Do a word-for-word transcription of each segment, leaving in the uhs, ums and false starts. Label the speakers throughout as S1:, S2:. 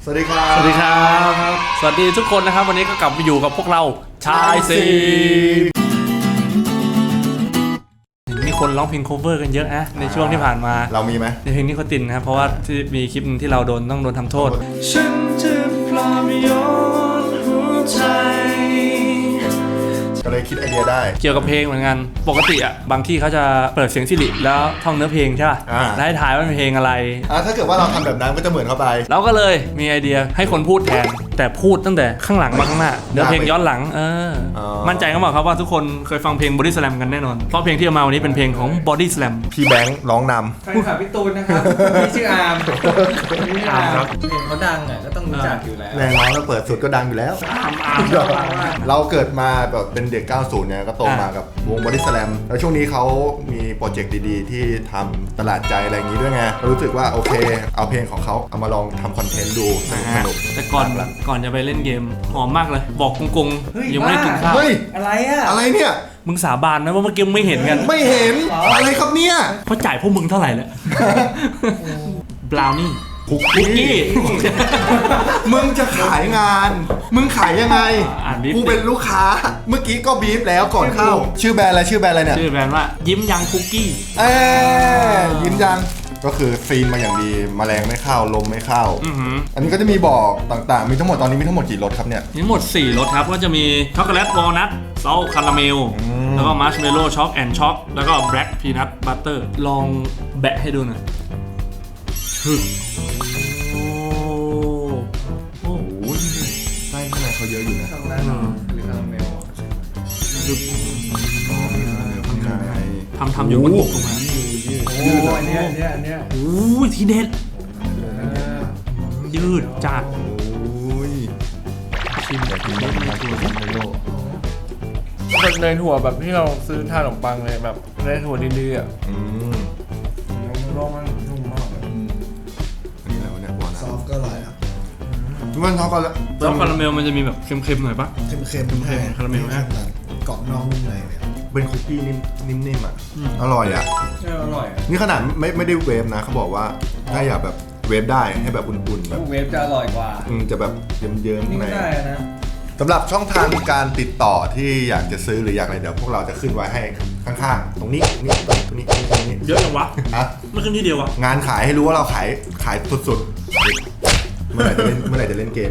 S1: สวัสดีครับ
S2: สวัสดีครับสวัสดีทุกคนนะครับวันนี้ก็กลับมาอยู่กับพวกเราชายซีมีคนร้องเพลง cover กันเยอะนะในช่วงที่ผ่านมา
S1: เรามีไหม
S2: ในเพลงนิโคตินนะครับเพราะว่าที่มีคลิปนึงที่เราโดนต้องโดนทำโทษฉันจะปลอบโยนหัวใจ
S1: ก็เลยคิดไอเดียได้
S2: เกี่ยวกับเพลงเหมือนกันปกติอ่ะบางที่เขาจะเปิดเสียงสิริแล้วท่องเนื้อเพลงใช่ป่ะแล้วให้ถ่ายว่าเป็นเพลงอะไร
S1: อ่าถ้าเกิดว่าเราทำแบบนั้นก็จะเหมือนเข้าไป
S2: เราก็เลยมีไอเดียให้คนพูดแทนแต่พูดตั้งแต่ข้างหลังมาข้างหน้าเนื้อเพลงย้อนหลังเออมั่นใจก็บอกครับว่าทุกคนเคยฟังเพลง Body Slam กันแน่นอนเพราะเพลงที่เอามาวันนี้เป็นเพลงของ Body Slam
S1: พี่แบงค์ร้องนำ
S3: แฟนคลับพี่ตูนนะครับพี่ชื่ออาร์มพี่อาร์มเพลงเขาดังอ่ะก็ต้องรู้จักอยู่แล้ว
S1: แรงร้องแล้วเปิดสุดก็ดังอยู่แล้ว
S3: อาร์มอาร์ม
S1: เราเกิดมาแบบเป็นเด็กเก้าสิบเนี่ยก็โตมากับวง Body Slam แล้วช่วงนี้เขามีโปรเจกต์ดีๆที่ทำตลาดใจอะไรอย่างนี้ด้วยไงรู้สึกว่าโอเคเอาเพลงของเขาเอามาลองทำคอนเทนต์ดูสนุก
S2: แต่ก่อนก่อนจะไปเล่นเกมหอมมากเลยบอกกงๆยังไม่ได้กินข้าว
S3: อะไรอะ
S1: อะไรเนี่ย
S2: มึงสาบานนะว่าเมื่อกี้ไม่เห็นกัน
S1: ไม่เห็นอะไรครับเนี่ย
S2: เพราะจ่ายพวกมึงเท่าไหร่แล้วบราวนี่
S1: คุกกี้มึงจะขายงานมึงขายยังไงกูเป็นลูกค้าเมื่อกี้ก็บีฟแล้วก่อนเข้าชื่อแบรนด์อะไรชื่อแบรนด์อะไรเนี่ย
S2: ชื่อแบรนด์ว่ายิ้มยังคุกกี้
S1: เอ้ยิ้มยังก็คือซีนมาอย่างดีแมลงไม่เข้าลมไม่เข้าอันนี้ก็จะมีบอกต่างๆมีทั้งหมดตอนนี้มีทั้งหมดกี่รสครับเนี่ย
S2: มีทั้งหมดสี่รสครับก็จะมีช็อกโกแลตวอลนัทซอลคาราเมลแล้วก็มาร์ชเมลโล่ช็อกแอนด์ช็อกแล้วก็แบล็กพีนัทบัตเตอร์ลองแบะให้ดูหน่อยฮึ
S1: โอ้โหไส้ข้างในเขาเยอะอยู่นะ
S3: ช็อกโกแลตหรือคาราเมล
S1: ยืดข้างใน
S2: ทำทำอยู่บนอกตรงนั้น
S3: ยืดอันนี้อันนี้อันนี้
S2: โอ้ยทีเด็ดยืดจัด
S1: โอ้ยชิมแบบนี้มาตัวคาราเมล
S3: เป็นเนยถั่วแบบที่เราซื้อทานขนมปังเลยแบบเนยถั่วดีๆอ่ะ
S1: อืม
S3: ร้องมันนุ่มมาก
S1: อันนี้อะไรวะเนี่ยวอลนัท
S4: ซอฟก็อร่อยอ่ะ
S1: มันช็อกโกแลต
S2: ช็อกคาราเมลมันจะมีแบบเค็มๆหน่อยปะ
S4: เค็มๆเค็
S2: มคาราเมลนะ
S4: เกาะน้องนุ่มในเนี่ย
S1: เป็นคุกกี้นิ่มๆอ่ะอร่อยอ่ะ
S3: อร่อย
S1: นี่ขนาดไม่ไม่ได้เวฟนะเขาบอกว่าถ้าอยากแบบเวฟได้ให้แบบอุ่นๆแบบ
S3: เวฟจะอร่อยกว่า
S1: อืมจะแบบเยิ้มๆ
S3: นี่ได้นะ
S1: สำหรับช่องทางการติดต่อที่อยากจะซื้อหรืออยากอะไรเดี๋ยวพวกเราจะขึ้นไว้ให้ข้างๆตรงนี้นี่ตรงนี้ตรงนี้
S2: เยอะจังวะ
S1: อะ
S2: ไม่ขึ้นที่เดียววะ
S1: งานขายให้รู้ว่าเราขายขายสุดๆเมื่อไหร่จะเล่นเมื่อไหร่จะเล่นเกม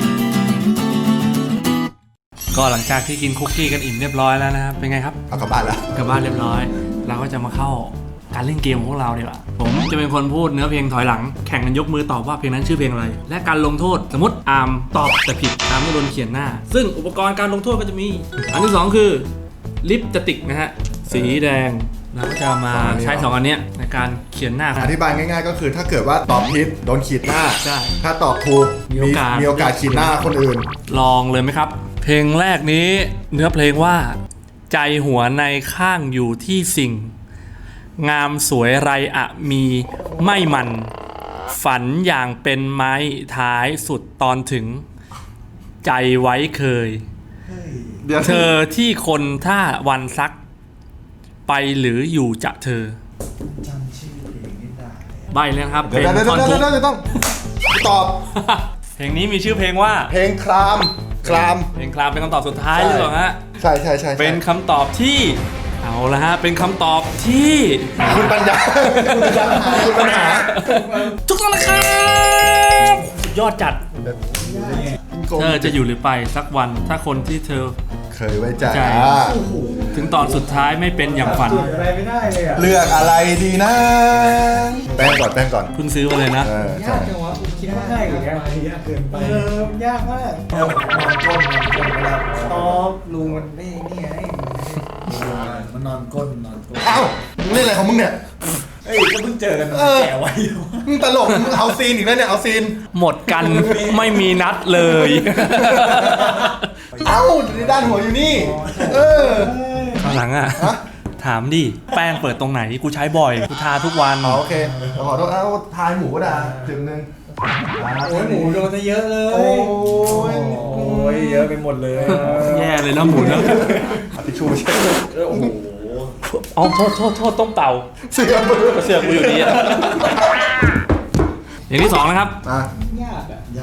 S2: ก็หลังจากที่กินคุกกี้กันอิ่มเรียบร้อยแล้วนะครับเป็นไงครับ
S1: เอากลับบ้านแล้ว
S2: กลับบ้านเรียบร้อยเราก็จะมาเข้าการเล่นเกมของพวกเราดีกว่าผมจะเป็นคนพูดเนื้อเพลงถอยหลังแข่งกันยกมือตอบว่าเพลงนั้นชื่อเพลงอะไรและการลงโทษสมมติอาร์มตอบแต่ผิดอาร์มต้องโดนเขียนหน้าซึ่งอุปกรณ์การลงโทษก็จะมีอันที่สองคือลิปสติกนะฮะสีแดงเราก็จะมาใช้สองอันนี้ในการเขียนหน้า
S1: อธิบายง่ายๆก็คือถ้าเกิดว่าตอบผิดโดนขีดหน้า
S2: ใช่
S1: ถ้าตอบถูกมีโอกาสมีโอกาสขีดหน้าคนอื่น
S2: ลองเลยไหมครับเพลงแรกนี้เนื้อเพลงว่าใจหัวในข้างอยู่ที่สิ่งงามสวยไรอะมีไม่มันฝันอย่างเป็นไม้ท้ายสุดตอนถึงใจไว้เคยเธอที่คนท่าวันซักไปหรืออยู่จะเธอ
S4: จำชื่อเพลงไม่ได้
S2: ใบเลยครับ
S1: เดี๋ยวเดี๋ยวเดี๋ยวเดี๋ยวต้องตอบ
S2: เพลงนี้มีชื่อเพลงว่า
S1: เพลงคลามคลาม
S2: เพลงคลามเป็นคำตอบสุดท้ายหรือเปล่าฮะ
S1: ใช่ใช่ใช่
S2: เป็นคำตอบที่เอาละฮะเป็นคำตอบที่
S1: คุณปัญญาคุณปัญหา
S2: ทุกท่านนะครับยอดจัดเธอจะอยู่หรือไปสักวันถ้าคนที่เธอ
S1: เคยไว้ใจ
S2: ถึงตอนสุดท้ายไม่เป็นอย่างฝัน
S3: อะไรไม่ได้เลยอะ
S1: เลือกอะไรดีนะแป้งก่อนแป้งก่อน
S2: เพิ่งซื้อมาเลยนะ
S3: ยากจังวะคิดว่าง่ายกว่านี้
S4: ยากเกินไป
S3: เออยากมากนอนก้นนอนก้นเวลาชอบลุงมันไม่นี่ไง
S4: มันนอนก้นนอนก้น
S1: เอ้ามึงเล่นอะไรของมึงเนี่ย
S3: เอ้ยก็เพิ่งเจอกันแก่ไว้
S1: มึงตลกมึงเอาซีนอีกแล้วเนี่ยเอาซีน
S2: หมดกันไม่มีนัดเลย
S1: เอ้าด้านหัวอยู่นี่เออ
S2: ข้างหลังอ่ะถามดิแป้งเปิดตรงไหนกูใช้บ่อยกูทาทุกวัน
S1: โอเคขอโทษเอาทายหมูก็ได้ถึงนึง
S3: โอ้ยหมูโดนเยอะเลยโอ้ยโอ้ยเยอะไปหมดเลย
S2: แย่เลยนะหมูนะ
S1: ทิชชู่ใช่
S3: โอ้โห
S2: อ๋อโทษโทษโทษต้องเป่า
S1: เสือก
S2: เสือกกูอยู่ดีอ่ะอย่างที่สองนะครับ
S4: ยากอ่ะยาก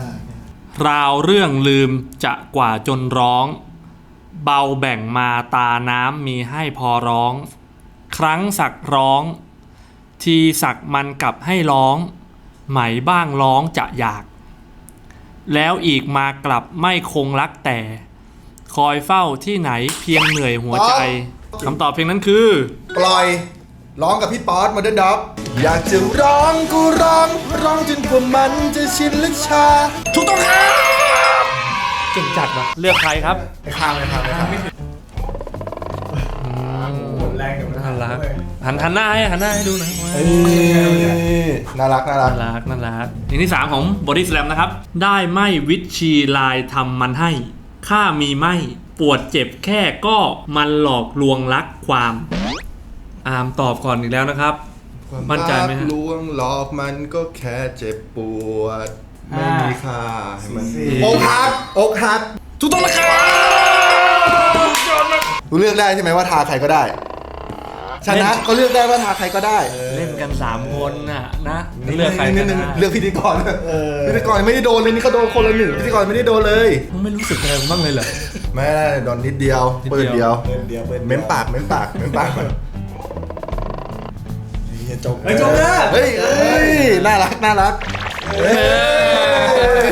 S2: ราวเรื่องลืมจะกว่าจนร้องเบาแบ่งมาตาน้ำมีให้พอร้องครั้งสักร้องทีสักมันกลับให้ร้องไหมบ้างร้องจะอยากแล้วอีกมากลับไม่คงรักแต่คอยเฝ้าที่ไหนเพียงเหนื่อยหัวใจคำตอบเพลงนั้นคือ
S1: ปล่อยร้องกับพี่ป๊อตมาเดินด็อกอยากจะร้องกูร้องร้องจนกว่ามันจะชินลึกชา
S2: ถูกต้องครับเก่งจัดวะเลือกใครครับ
S1: ไอ้ข้ามไอ้ข้ามไอ้ข้าม
S3: แรงอยู่นะ
S2: น่ารักหันหันหน้าให้หันหน้าให้ดูหน่อย
S1: เอ้ยน่ารักน่ารัก
S2: น่ารักน่ารักเพลงที่สามของ Body Slam นะครับ ได้ไม่วิชีลายทำมันให้ข้ามีไม่ปวดเจ็บแค่ก็มันหลอกลวงรักความอามตอบก่อนอีกแล้วนะครับ มั่นใจไหมฮะ
S1: ลวงหลอกมันก็แค่เจ็บปวดไม่มีค่าให้มัน
S2: สี่
S1: อกหักอกหัก
S2: ถูกต้องแล้วครับ
S1: กูเลือกได้ใช่ไหมว่าทาใครก็ได้ชนะก็เลือกได้ว่าทาใครก็ได้
S2: เล่นกันสามคนน่ะนะเลือกใคร
S1: นิ
S2: ก็
S1: ดนึง
S2: ได้
S1: เลือกพิธีกรพิธีกรไม่ได้โดนเลยนี่เขาโดนคนละหนึ่งพิธีกรไม่ได้โดนเลย
S2: มึงไม่รู้สึกอะไรบ้างเลยเหรอ
S1: ไม่ได้โดนนิดเดียว
S2: นิดเดียว
S1: เปิดเดียว
S4: เปิดเดียวเปิด
S1: เม้มปากเม้มปากเม้มปากก่อน
S4: เฮียจบ
S3: ไอ้ยจบแล้ว
S1: เฮ้ยเฮ้ยน่ารักน่ารักเฮ้ย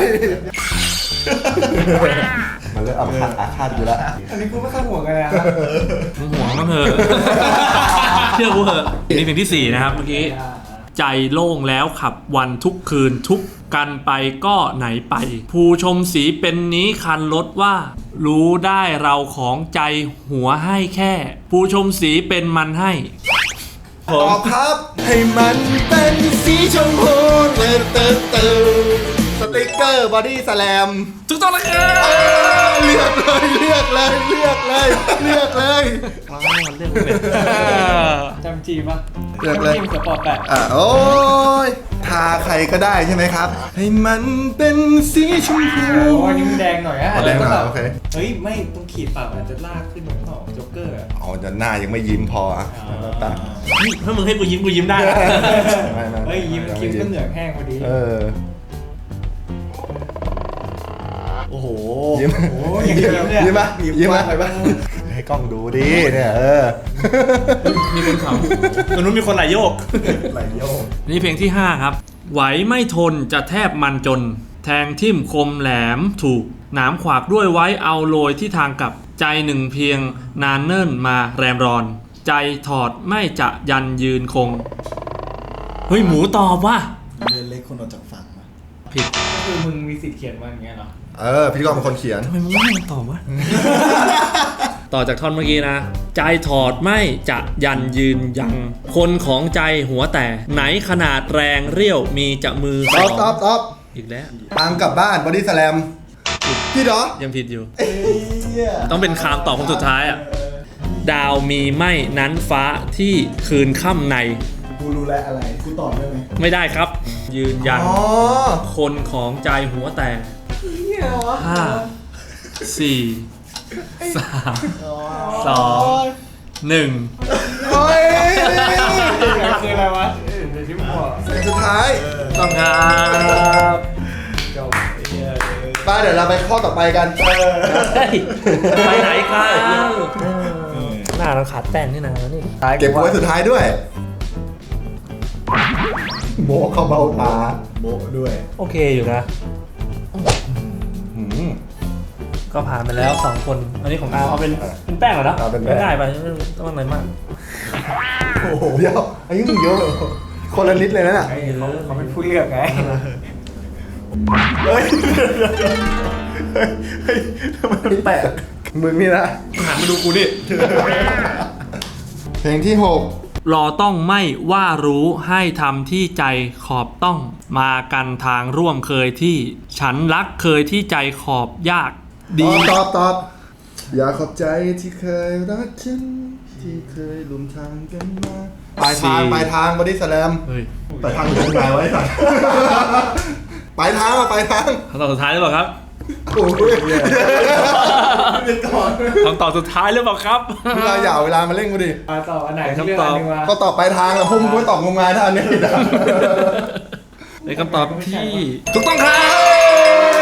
S1: มันเริ่มอาฆาตอาฆาตอยู่แล้ว
S3: อันนี้กูไม่ข้างหัวกันเลยนะครับ
S2: มึงห่วงมั้งเหอะเชื่อกูเหอะนี่เพลงที่สี่นะครับเมื่อกี้ใจโล่งแล้วขับวันทุกคืนทุกกันไปก็ไหนไป ผู้ชมสีเป็นนี้คันรถว่า รู้ได้เราของใจหัวให้แค่ ผู้ชมสีเป็นมันให้
S1: ตอบครับให้มันเป็นสีชมพูเติร์เติร์เติร์สติ๊กเกอร์บอดี้สแลม
S2: ถูกต้องแล้วครับ
S1: เลือกเลยเลือกเลยเลือกเลยเลือกเลย
S2: เรื่องเป็น
S3: จำจีปะ
S1: เลือกเลย
S3: จำจีมสปอร์ตแปด
S1: อ่ะโอ้ยทาใครก็ได้ใช่ไหมครับ ให้มันเป็นสีชมพู
S3: โอ้อันนี้มันแดงหน่อยอะ
S1: อ๋อแดงหน่อยโอเค
S3: เฮ้ยไม่ต้องขีดปากอาจจะลากขึ้นเหมือนเปล่าโจ๊กเกอร์อะ
S1: อ๋อจะหน้ายังไม่ยิ้มพออ่ะตา
S2: นี่ถ้ามึงให้กูยิ้มกูยิ้มได้นะ
S1: ไม่ไม่
S3: เฮ้ยยิ้มคิ้วก็เหนือกแห้งพอดี
S1: เออ
S4: โอ้โห
S1: ยิ้ม
S3: โอ้ยอย่างยิ้มเลยอะ
S1: ยิ้มปะยิ้มปะไปปะให้กล้องดูดิเนี่ยเออ
S2: มีคนขำตรงนู้นมีคนไหลโยก
S4: ไหลโยก
S2: นี่เพลงที่ห้าครับ ไหวไม่ทนจะแทบมันจน แทงทิ่มคมแหลมถูกหนามขวากด้วยไว้เอาโรยที่ทางกลับใจหนึ่งเพียงนานเนิ่นมาแรมรอน ใจถอดไม่จะยันยืนคง เฮ้ย หมูตอบว่า
S4: เรือเล็กคนออกจากฝั่งมา
S2: ผิด
S3: ก็คือมึงมีสิทธิ์เขียนมาอย่างเงี้ยเหรอ
S1: เออพิธีกรเป็นคนเขียน
S2: ทำไมมึงไม่ให้มันตอบวะ ต่อจากท่อนเมื่อกี้นะ ใจถอดไม่จะยันยืนยัง คนของใจหัวแต่ไหนขนาดแรงเรี่ยวมีจะมือ
S1: ตอบตอบตอบ
S2: อีกแล้ว
S1: ตังกลับบ้านบอดี้สแลมพี่เหรอ
S2: ยังผิดอยู่
S4: เฮีย
S2: ต้องเป็นคำตอบคนสุดท้ายอ่ะ ดาวมีไม่นั้นฟ้าที่คืนค่ำใน
S4: กูรู้แล้วอะไร กูตอบได้ไหม
S2: ไม่ได้ครับ ยืนยัน
S1: อ๋อ
S2: คนของใจหัวแต่ห้าสี่สามสองหนึ่ง
S1: โอ้ย
S3: คืออะไรวะเดี๋ยวที่มึงบอก
S1: เพลงสุดท้าย
S2: ต้องครับ
S3: จบไอ้เหี้ย
S1: ป้าเดี๋ยวเราไปข้อต่อไปกัน
S2: เฮ้ยไปไหนครับหน้าเราขาดแป้งนี่นะนี่
S1: เก็บไว้สุดท้ายด้วย โบะเขาเบาตา
S4: โบะด้วย
S2: โอเคอยู่นะ
S1: หืม
S2: ก็ผ่านไปแล้วสองคน อันนี้ของอาเอาเป็นเป็นแป้งเหรอนะ
S1: เอาเป็นแป้ง
S2: ง่ายไปไม่ต้องอะไรมาก
S1: โอ้โหเดี๋ยวอายุมึงเยอะเลยคนละนิดเลยนะน่ะ
S3: ไอ้เขาเขาเป็นผู้เลือกไง
S1: เฮ้ยเฮ้ยทำไมมันแปลกมึงนี่นะ
S2: หันมาดูกูดิ
S1: เพลงที่หก
S2: รอต้องไม่ว่ารู้ให้ทำที่ใจขอบต้องมากันทางร่วมเคยที่ ฉันรักเคยที่ใจขอบยาก
S1: ต
S2: ดี
S1: อบตอบตอบอยากขอบใจที่เคยรักฉันที่เคยลุมทางกันมาปลายทางปลายทางบอดี้สแลม
S2: เฮ้ย
S1: ปลายทางอยู่ตรงไหนไว้สัตว์ปลายทางอะปลายทาง
S2: คำตอบสุดท้ายหรือเปล่าครับ
S1: โอ้ย
S2: คำตอบสุดท้ายหรือเปล่าครับ
S1: เวลาอย่าเอาเวลามาเล่นกูดิ
S3: มาต่ออันไหน
S2: คำ
S3: เลือก
S2: ตอบ
S3: อันหนึงวะ
S1: ก็ตอบปลายทางอะพวกมึงไม่ตอบงมงายถ้าอันนี้ผิดอะ
S2: ในคำตอบที่ถูกต้องครับ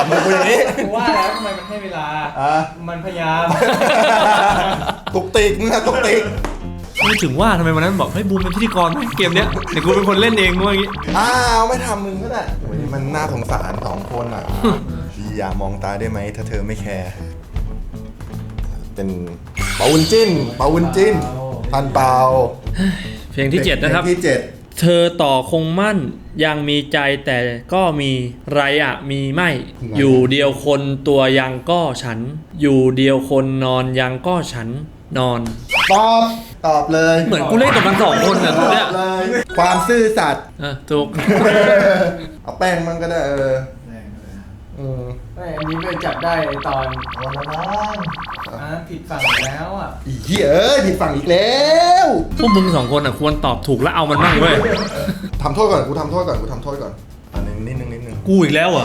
S1: ำกับกูอย่างนี้
S3: กูว่าแล้วทำไมมันให้เวลา
S1: อ่ะ
S3: มันพยายาม
S1: ตุกติกมึงอะตุกติก
S2: ไม่ถึงว่าทำไมวันนั้นบอกให้บูมเป็นพิธีกรไหมเกมเนี้ยเดี๋ยวกูเป็นคนเล่นเองว่าอย่างงี้
S1: อ้าวไม่ทำมึงก็ได้โอ้ยมันน่าสงสารสองคนอ่ะ อย่ามองตาได้ไหมถ้าเธอไม่แคร์เป็นเปาวุนจิ้นเปาวุนจิ้นทันเปา
S2: เพลงที่เจ็ดนะครับ
S1: เพลงที่เจ็ด
S2: เธอต่อคงมั่นยังมีใจแต่ก็มีไรอะมีไม่ อยู่เดียวคนตัวยังก็ฉัน อยู่เดียวคนนอนยังก็ฉันนอน
S1: ตอบตอบเลย
S2: เหมือนกูเล่นกับมันสองคนเนี่ย
S1: ต
S2: ตัว
S1: อ
S2: เนี้ย
S1: บเลย ความซื่อสัตย์
S2: เออถูก
S1: เอาแป้งมันก็ได้เออ
S4: แรงเลย
S1: อืม
S3: ไม่อันนี้ไปจับได้ไอตอน
S4: เอาละมั้ง
S3: อ่ะผิดฝั่งแล้วอ่ะ
S1: อีเหี้ยเอ้ยผิดฝั่งอีกแล้ว
S2: พวกมึงสองคนอ่ะควรตอบถูกแล้วเอามันบ้างเว้ย
S1: ทำโทษก่อนกูทำโทษก่อนกูทำโทษก่อนอันนึงนิดนึงนิดนึง
S2: กูอีกแล้วเหรอ่ะ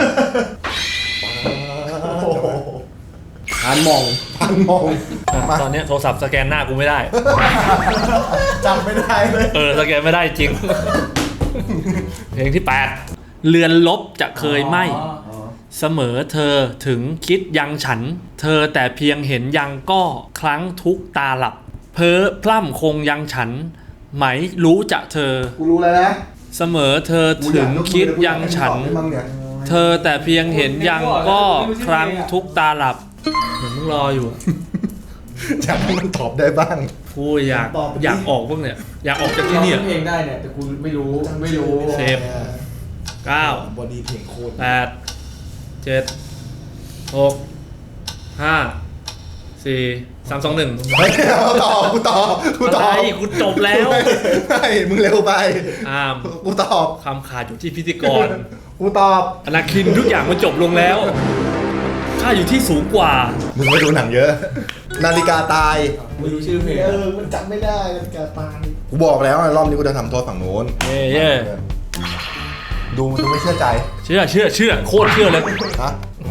S4: โอ้โห
S1: พันมองพันมองมา
S2: ตอนเนี้ยโทรศัพท์สแกนหน้ากูไม่ได้
S4: จำไม่ได้เลย
S2: เออสแกนไม่ได้จริง เพลงที่แปดเรือนลบจะเคยไหม
S3: อ๋อ
S2: เสมอเธอถึงคิดยังฉัน เธอแต่เพียงเห็นยังก็ครั้งทุกตาหลับ เพ้อพร่ำคงยังฉัน ไหมรู้จะเธอ
S1: กูรู้แล้วนะ
S2: เสมอเธอถึงคิดยังฉัน เธอแต่เพียงเห็นยังก็ครั้งทุกตาหลับเหมือนมึงรออยู่
S1: อยากให้มันตอบได้บ้าง
S2: กูอยากอยากออกพวกเนี่ยอยากออกจากที่เนี่ย
S3: ร้องเพลงได้เนี่ยแต่กูไม่รู้ไม่รู้
S2: เซฟ เก้า
S4: บอดี้เพลงโคตร
S2: แปดเจ็ดหกห้าสี่สามสองหนึ่ง
S1: เฮ้ยเอาต่อกูตอบกูต
S2: อะ
S1: อบ
S2: ไรกูจบแล้ว
S1: ไม่มึงเร็วไป
S2: อาม
S1: กูตอบ
S2: คำขาดอยู่ที่พิธีกร
S1: กูตอบ
S2: อนาคินทุกอย่างมันจบลงแล้วข้าอยู่ที่สูงกว่า
S1: มึงไม่ดูหนังเยอะ นาฬิกาตาย
S3: ไม่รู้ชื่อเพลง
S4: เออมันจำไม่ได้มันแกตาย
S1: กูบอกแล้วรอบนี้กูจะทำโทษฝั่งโน้น
S2: เย่เย่
S1: ดูดูไม่เชื่อใจ
S2: เชื่อเชื่อเชื่อโคตรเชื่อเลย
S1: ฮะ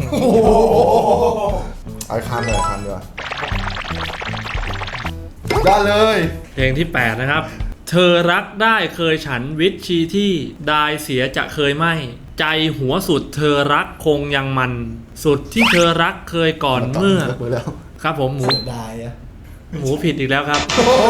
S1: เอาคำเลยคำดีกว่าได้เลย
S2: เพลงที่แปดนะครับ เธอรักได้เคยฉันวิทชีที่ได้เสียจะเคยไม่ ใจหัวสุดเธอรักคงยังมัน สุดที่เธอรักเคยก่อนเมื่อ
S1: ตบมืแล้ว
S2: ครับผมหมู
S4: เสียดายอะ
S2: หมูผิดอีกแล้วครับ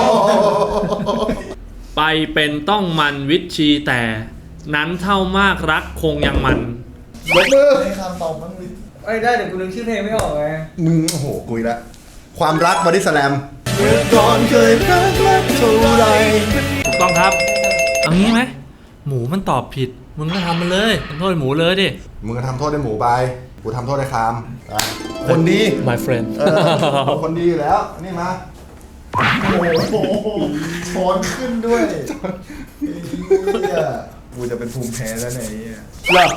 S2: ไปเป็นต้องมันวิทชีแต่ นั้นเท่ามากรักคงยังมัน
S1: ยกมือ
S4: ให้คำตอบมันวิ
S3: ไอ้ยได้เดี๋ยวกูนึกชื่อเพลงไม่ออกไง
S1: มึงโอ้โหกุยละความรักบอดี้สแลมเมื่อก่อนเคยรักรักเท่าไร
S2: ถูกต้องครับ เอางี้ไหมหมูมันตอบผิด มึงก็ทำมันเลยทำโทษหมูเลยดิ
S1: มึงก็ทำโทษได้หมูไปกูทำโทษได้คามอ่ะคนดี
S2: my friend
S1: เออคนดีอยู่แล้วนี่มา
S4: โอ้โหช้อนขึ้นด้วยไอ้เหี้ยกูจะเป็นภูมิแพ้แล้วเนี่ยไอ้เหี้ย
S2: เหรอ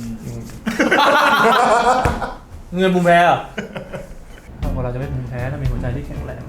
S2: เงินภูมิแพ้เหรอถ้าคนเราจะไม่ภูมิแพ้ถ้ามีหัวใจที่แข็งแรง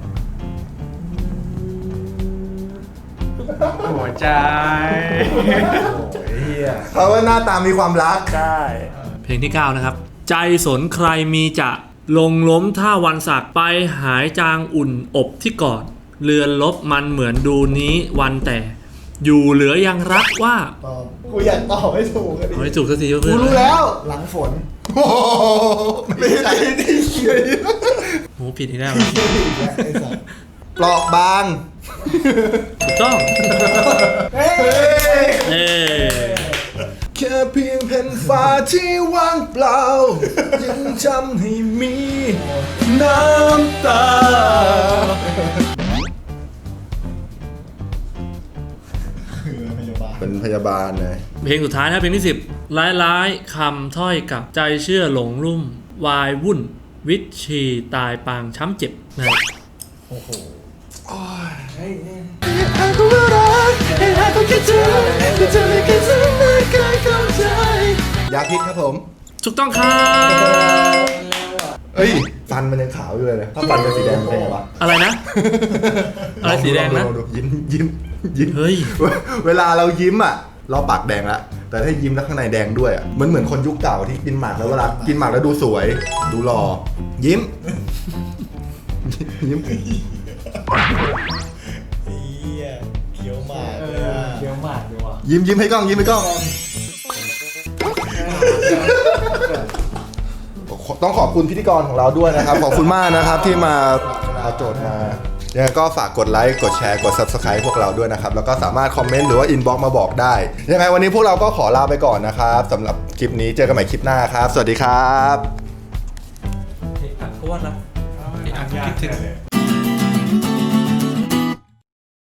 S3: หัวใจ
S4: โอ้ยเหี้ย
S1: เขาว่าหน้าตามีความรัก
S2: ใช่เพลงที่เก้านะครับ ใจสนใครมีจะลงล้มท่าวันสักไปหายจางอุ่นอบที่กอดเรือนลบมันเหมือนดูนี้วันแต่ อยู่เหลือยังรักว่า
S4: ตอบกูอยากตอบให้ถูกอะดิ
S2: เอาให้ถูกสักที
S1: กู
S2: เพื่อน
S1: รู้แล้ว
S4: หลังฝน
S1: โอ้โหไม่ใช่ที่เขียน
S2: หมูผิดอีกแล้ว
S4: ไอ้สัส
S1: เปราะบาง
S2: ถูกต้อง
S4: เฮ้ย
S2: เอ้
S1: แค่เพียงแผ่นฟ้าที่ว่างเปล่า ยังจำให้มีน้ำตา
S4: พยาบาล
S1: เป็นพยาบาลเลย
S2: เพลงสุดท้ายนะเพลงที่สิบร้ายร้ายๆคำถ้อยกับใจเชื่อหลงลุ่ม วายวุ่น วิตชีตายปางช้ำเจ็บนะ
S4: โอ้โห
S3: เฮ้ยเฮ้ย
S1: ยาพิษครับผม
S2: ถูกต้องครับ
S1: เอ้ย ฟันมันยังขาวอยู่เลยนะถ้าฟันเป็นสีแดงมันเป็นไงวะ
S2: อะไรนะ อะไรสีแดงนะ
S1: ลอดูยิ้มยิ้มยิ้ม
S2: เฮ้ย
S1: เวลาเรายิ้มอ่ะ เราปากแดงละแต่ถ้ายิ้มแล้วข้างในแดงด้วยอ่ะมันเหมือนคนยุคเก่าที่กินหมากแล้วเวลากินหมากแล้วดูสวย ดูหล่อยิ้ม ยิ้ม
S4: เหี้ยเขียวหมาก
S3: เอ
S4: เลย
S3: อ
S4: อะ
S3: เคี้ยวหมากดีว่ะ
S1: ยิ้มยิ้มให้กล้องยิ้มให้กล้องต้องขอบคุณพิธีกรของเราด้วยนะครับ ขอบคุณมากนะครับที่มาเอาโจทย์มายังไงก็ฝากกดไลค์กดแชร์กด Subscribe พวกเราด้วยนะครับแล้วก็สามารถคอมเมนต์หรือว่าอินบ็อกซ์มาบอกได้ยังไงวันนี้พวกเราก็ขอลาไปก่อนนะครับสำหรับคลิปนี้เจอกันใหม่คลิปหน้าครับสวัสดีครับ
S2: อ่ะทวดนะอ่ะคิดถึง